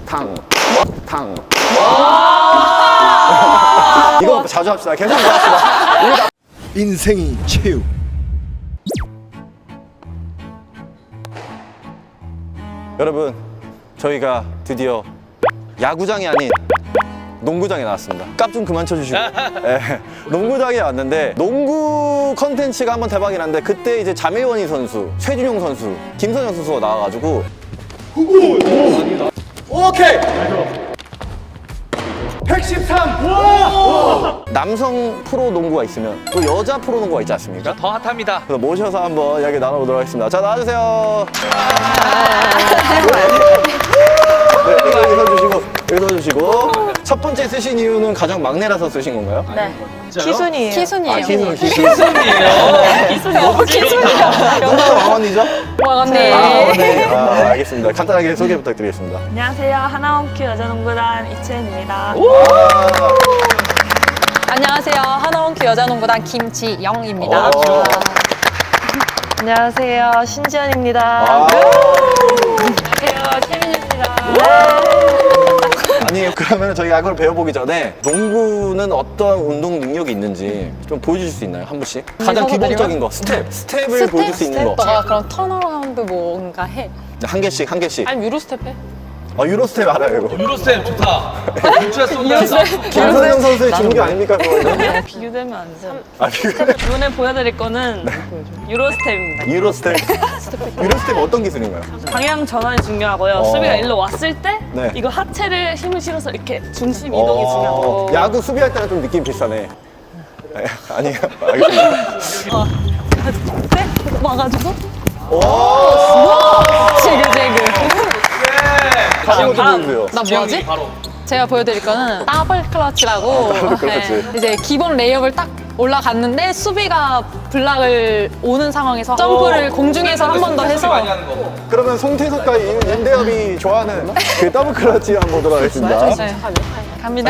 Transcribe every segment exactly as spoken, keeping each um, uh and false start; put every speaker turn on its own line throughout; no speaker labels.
탕. 탕. 이거 자주 합시다. 계속 이거 합시다.
인생이 체육.
여러분, 저희가 드디어 야구장이 아닌 농구장에 나왔습니다. 깝 좀 그만 쳐주시고. 네, 농구장에 왔는데 농구 컨텐츠가 한번 대박이 났는데 그때 이제 자매원희 선수, 최준용 선수, 김선영 선수가 나와가지고 오케이! 백십삼! 남성 프로 농구가 있으면 또 여자 프로 농구가 있지 않습니까?
더 핫합니다.
그래서 모셔서 한번 이야기 나눠보도록 하겠습니다. 자, 나와주세요. 네, 여기 서주시고, 여기 서주시고. 첫 번째 쓰신 이유는 가장 막내라서 쓰신 건가요?
네.
키순이에요.
키순이에요.
아, 기순, 기순.
기순이에요.
키순이요. 키순이요.
누가 왕언니죠?
왕언니.
아, 네. 아, 알겠습니다. 간단하게 소개 부탁드리겠습니다.
안녕하세요. 하나원큐 여자농구단 이채은입니다.
아,
안녕하세요. 하나원큐 여자농구단 김지영입니다.
오.
안녕하세요. 신지연입니다.
아.
안녕하세요. 채민입니다.
아니, 그러면 저희 야구를 배워보기 전에 농구는 어떤 운동 능력이 있는지 좀 보여주실 수 있나요? 한 분씩? 가장 기본적인 거, 스텝. 스텝을 보여줄 수 있는 거.
너가 그럼 턴어라운드 뭔가 해.
한 개씩, 한 개씩.
아니 유로 스텝 해.
아, 유로 스텝 알아요, 이거.
유로쌤 좋다. 유치가 쏜다.
김선영 선수의 종교 아닙니까, 그거는?
비교되면 안 돼.
아, 이거
이번에 보여드릴 거는 유로 스텝입니다.
유로 스텝. 유로 스텝 어떤 기술인가요?
방향 전환이 중요하고요.
어.
수비가 일로 왔을 때
네.
이거 하체를 힘을 실어서 이렇게 중심 이동이
어,
중요하고.
야구 수비할 때랑 좀 느낌 비슷하네. 네, 아니요, 알겠습니다.
네? 와가지고
오!
지그재그.
다시 한번
다음.
보여주세요.
나 뭐하지?
바로.
제가 보여드릴 거는 더블 클러치라고.
더블 클러치.
네, 이제 기본 레이업을 딱 올라갔는데 수비가 블락을 오는 상황에서 점프를 공중에서 한 번 더 해서
많이 하는 거.
그러면 송태석과 임- 임대엽이 좋아하는 그 더블 클러치 한번 보도록 하겠습니다.
네. 갑니다.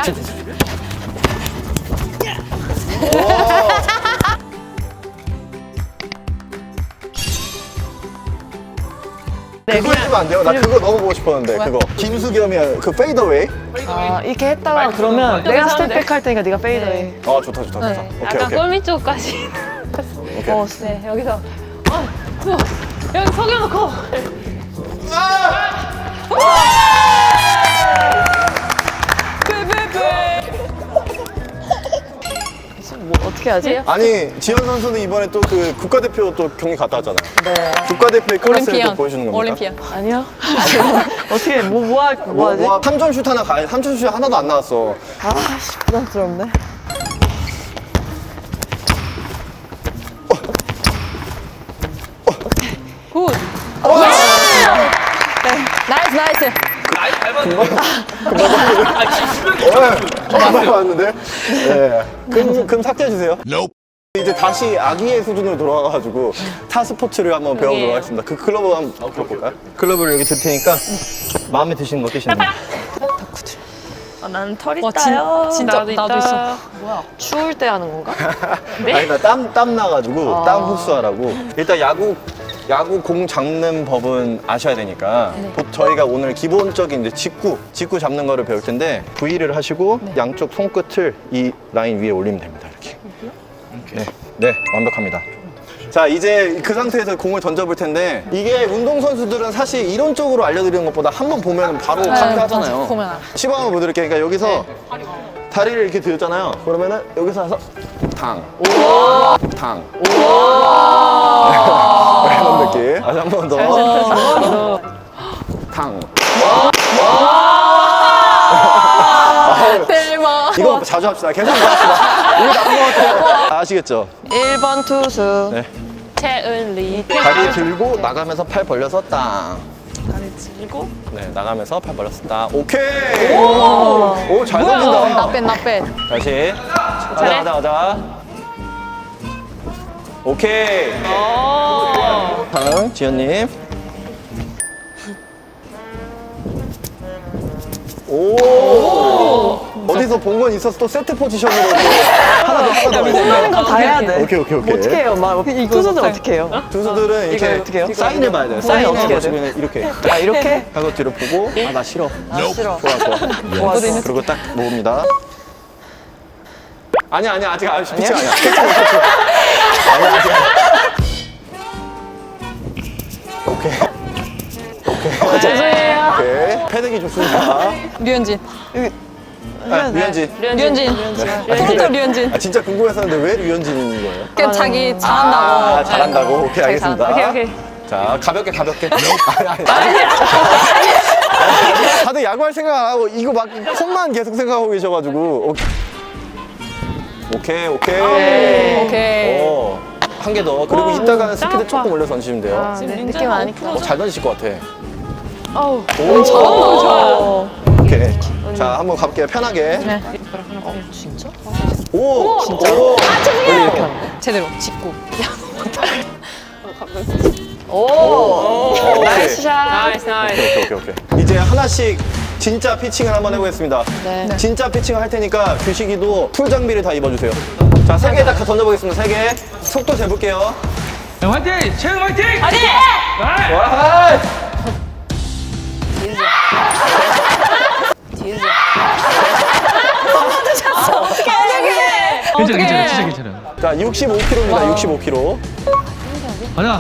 그거 해주면 안 돼요? 나 그거 너무 보고 싶었는데, 그거. 김수겸이 그 페이더웨이?
아, 이렇게 했다가 그러면 내가 스텝백 할 테니까 네가 페이더해.
아, 좋다, 좋다, 좋다.
네.
오케이,
약간
오케이.
골밑 쪽까지.
오케이.
어,
네, 여기서. 어, 어, 여기 속여놓고.
뭐 어떻게 하지?
아니, 지현 선수는 이번에 또 그 국가대표 또 경기 갔다 왔잖아요.
네.
국가대표의 클래스를 또
올림피언.
보여주는 겁니까?
올림피언.
아니요. 어떻게 뭐 뭐 할 뭐,
뭐,
하지?
뭐, 삼 점 슛 하나 가야 삼 점 슛 하나도 안 나왔어.
아씨 부담스럽네.
굿. 네. 나이스, 나이스.
나이 닮았는데. 아, 기술력이
네, 정말 왔는데. 네. 금, 금 삭제해주세요. 이제 다시 아기의 수준으로 돌아가가지고 타 스포츠를 한번 배워보도록 하겠습니다. 그 클럽을 한번 배워볼까요? 클럽을 여기 들 테니까 마음에 드시는 거 끼시는 거.
아, 나는 털
와,
있다요.
진- 진짜 나도 있어.
뭐야? 추울 때 하는 건가?
아니, 나 땀, 땀 나가지고
아.
땀 흡수하라고. 일단 야구, 야구 공 잡는 법은 아셔야 되니까 보- 저희가 오늘 기본적인 이제 직구, 직구 잡는 거를 배울 텐데 V를 하시고 양쪽 손끝을 이 라인 위에 올리면 됩니다. 이렇게. 네, 네, 완벽합니다. 자, 이제 그 상태에서 공을 던져볼 텐데 이게 운동선수들은 사실 이론적으로 알려드리는 것보다 한 번 보면 바로
네,
카트하잖아요.
맞아. 보면 알아.
시범 한번 보여드릴게요. 그러니까 여기서 다리를 이렇게 들었잖아요. 그러면은 여기서 와서 탕, 탕. 이런 느낌. 다시 한 번 더. 탕.
대박.
이거 자주 합시다. 계속 이거 합시다. 이거 나쁜 것 같아요. 아시겠죠?
일 번 투수.
네.
최은리.
다리 들고 나가면서 팔 벌려서 땅.
다리 들고.
네, 나가면서 팔 벌렸어. 땅. 오케이. 오, 잘 던진다.
나뺀, 나뺀.
다시. 가자, 가자, 가자. 오케이. 다음, 지현님. 오. 어디서 본 건 있어서 또 세트 포지션으로 또 하나 더 하나 더.
홈런인 거 다 해야 돼.
오케이 오케이 오케이.
어떻게 해요? 막 투수들 어떻게 해요?
투수들은
이거
이렇게
어떻게 해요?
사인을 봐야 돼요.
사인 어떻게 해야
사인을 이렇게
아 이렇게?
하고 뒤로 보고 아 나 싫어.
아 싫어.
좋아 좋아.
좋았어.
그리고 딱 모읍니다. 아니야 아니야 아직 아직 피치 아니야. 아니야 아직. 오케이. 오케이.
죄송해요.
오케이. 패딩이 좋습니다.
류현진.
아, 류현진.
류현진. 토론토 류현진.
아, 진짜 궁금했었는데 왜 류현진인 거예요?
그냥 자기
아,
잘한다고.
잘한다고? 오케이, 알겠습니다.
오케이, 오케이.
자, 가볍게, 가볍게. 아니, 아니, 아니. 다들 야구할 생각 안 하고, 이거 막, 홈만 계속 생각하고 계셔가지고. 오케이, 오케이.
오케이.
어, 한 개 더. 그리고 이따가는 스피드 조금 올려서 던지시면 돼요.
아, 네. 느낌 아니까.
어, 잘 던지실 것 같아.
어우.
오,
잘한다, 좋아요.
오케이. 자, 한번 가볼게요. 편하게.
네.
진짜?
오! 진짜? 오!
제대로 직구.
오. 나이스 샷.
나이스 나이스.
오케이, 오케이, 오케이. 이제 하나씩 진짜 피칭을 한번 해보겠습니다.
네.
진짜 피칭을 할 테니까 규식이도 풀 장비를 다 입어주세요. 자, 세 개 다 던져보겠습니다. 세 개. 속도 재볼게요.
야, 화이팅! 채영 화이팅!
아니!
와!
어떻게 해?
괜찮아, 괜찮아, 진짜 괜찮아.
자, 육십오 킬로미터입니다. 육십오 킬로미터.
가자.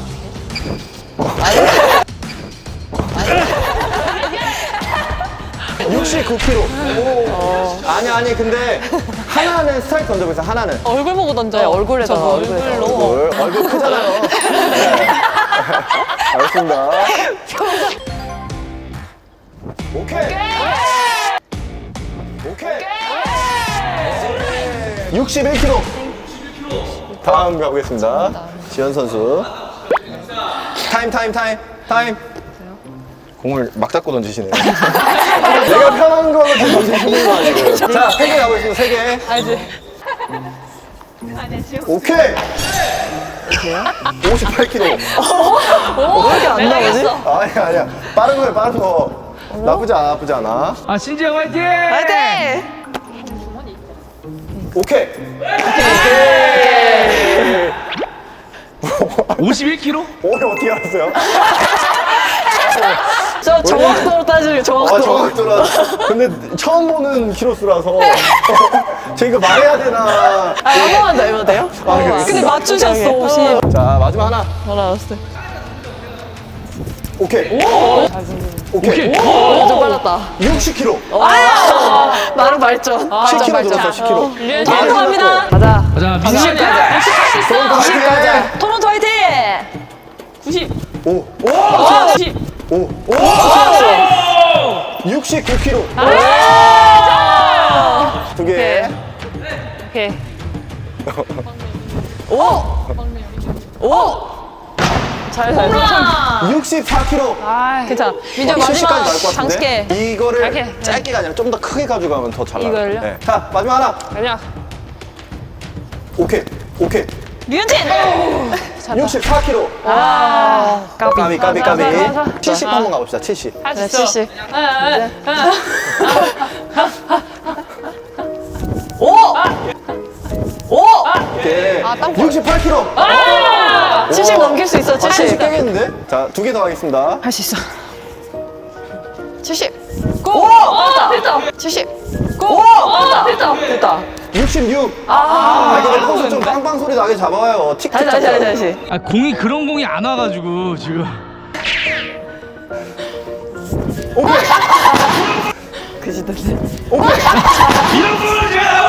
육십구 킬로미터. 아니, 아니, 근데 하나는 스트라이크 던져보세요. 하나는.
얼굴 보고 던져.
네, 얼굴에다가,
저거
얼굴에다가.
얼굴로.
얼굴, 얼굴 크잖아요. 네. 알겠습니다. 오케이. 오케이. 육십일 킬로미터. 다음 가보겠습니다. 지현 선수. 타임, 타임, 타임, 타임. 공을 막 잡고 던지시네요. 내가 편한 걸로 좀 던지시는 거 아니고요. 자, 세 개 가보겠습니다. 세 개.
알지?
오케이. 오십팔 킬로미터.
왜 이렇게 안 나오지?
아니야, 아니야. 빠른 거야, 빠른 거. 나쁘지 않아, 나쁘지 않아.
아, 신지영 화이팅!
화이팅!
오케이.
오십일 킬로미터?
오늘 어떻게 알았어요?
저 정확도로 따지면
아,
정확도로.
정확도라. 근데 처음 보는 키로수라서. 제가 말해야 되나.
아, 한 번만 더 해도 돼요?
아, 그래.
근데 맞추셨어, 오십.
자, 마지막 하나.
알았어.
오케이. 오케이.
좀 빨랐다.
육십 킬로미터.
나름 발전.
칠 킬로미터 늘었어, 십 킬로미터.
토론토 갑니다.
가자.
가자, 민지.
구십 가자.
토론토 화이팅! 구십.
오, 오,
구십.
오, 오. 육십구 킬로미터. 두 개.
오케이. 오! 오! 잘, 잘, 잘.
육십사 킬로미터.
괜찮아. 민정
칠십까지
마지막
나올 것
장식해.
같은데 이거를
짧게.
짧게가 아니라 좀 더 크게 가져가면 더 잘 나요.
이걸요?
네. 자, 마지막 하나.
아니야.
오케이, 오케이.
류현진!
육십사 킬로미터.
아, 까비.
까비, 까비, 까비.
가자, 가자.
칠십 한번 가봅시다. 칠십.
네, 칠십.
오케이.
아, 땀
육십팔 킬로미터.
칠십 넘길 수 있어,
아, 칠십
칠십.
깨겠는데? 자, 두 개 더 하겠습니다.
할 수 있어. 칠십.
고! 됐다.
칠십.
고! 됐다.
됐다.
육십육. 아, 근데 코스 좀 빵빵 소리 나게 잡아요. 틱틱
다시, 다시, 다시,
잡아요.
다시.
아, 공이 그런 공이 안 와가지고, 지금.
오케이.
그지던데.
이런 공을 제가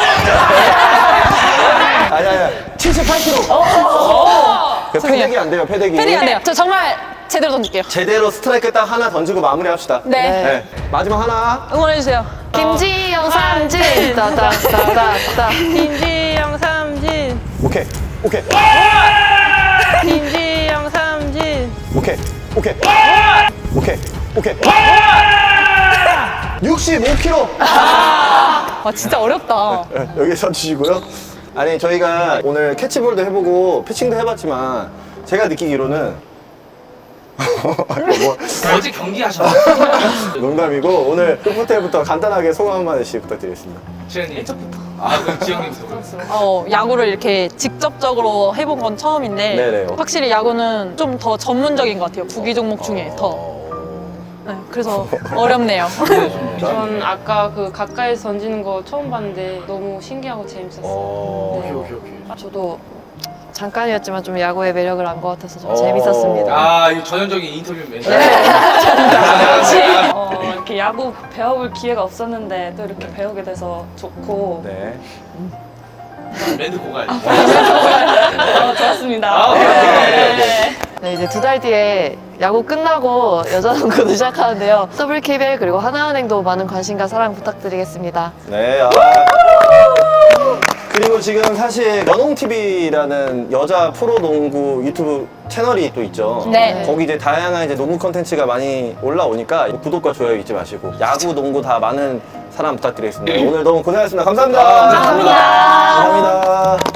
아니, 아니, 칠십팔 킬로미터. 그 패덱이 안 돼요, 패덱이.
패딩 안 돼요. 저 정말 제대로 던질게요.
제대로 스트라이크 딱 하나 던지고 마무리합시다.
네.
네. 마지막 하나.
응원해주세요.
김지영 삼진. 따따따따따.
김지영 삼진.
오케이, 오케이,
김지영 삼진.
오케이, 오케이, 오케이, 오케이. 육십오 킬로미터.
와, 진짜 어렵다.
네, 여기 서주시고요. 아니, 저희가 오늘 캐치볼도 해보고 피칭도 해봤지만 제가 느끼기로는 뭐,
어제 경기 하셨나?
농담이고 오늘 호텔부터 간단하게 소감 한 마디씩 부탁드리겠습니다.
지현님. 아, 그럼 지영님부터.
어, 야구를 이렇게 직접적으로 해본 건 처음인데
네네.
확실히 야구는 좀 더 전문적인 것 같아요. 구기 종목 중에 더. 네, 그래서 어렵네요.
전 아까 그 가까이서 던지는 거 처음 봤는데 너무 신기하고 재밌었어요.
어...
네.
오케이, 오케이.
저도 잠깐이었지만 좀 야구의 매력을 안 것 같아서 좀
어.
재밌었습니다.
아, 이거 전형적인 인터뷰 멘트.
어, 이렇게 야구 배워볼 기회가 없었는데 또 이렇게 배우게 돼서 좋고
네.
멘트 고갈.
어, 좋았습니다.
아, 오케이, 오케이, 오케이.
네, 이제 두 달 뒤에 야구 끝나고 여자농구도 시작하는데요. 더블케이비엘 그리고 하나은행도 많은 관심과 사랑 부탁드리겠습니다.
네. 아. 그리고 지금 사실 연홍티비라는 여자 프로농구 유튜브 채널이 또 있죠.
네.
거기 이제 다양한 이제 농구 컨텐츠가 많이 올라오니까 구독과 좋아요 잊지 마시고 야구, 농구 다 많은 사랑 부탁드리겠습니다. 오늘 너무 고생하셨습니다. 감사합니다.
감사합니다.
감사합니다.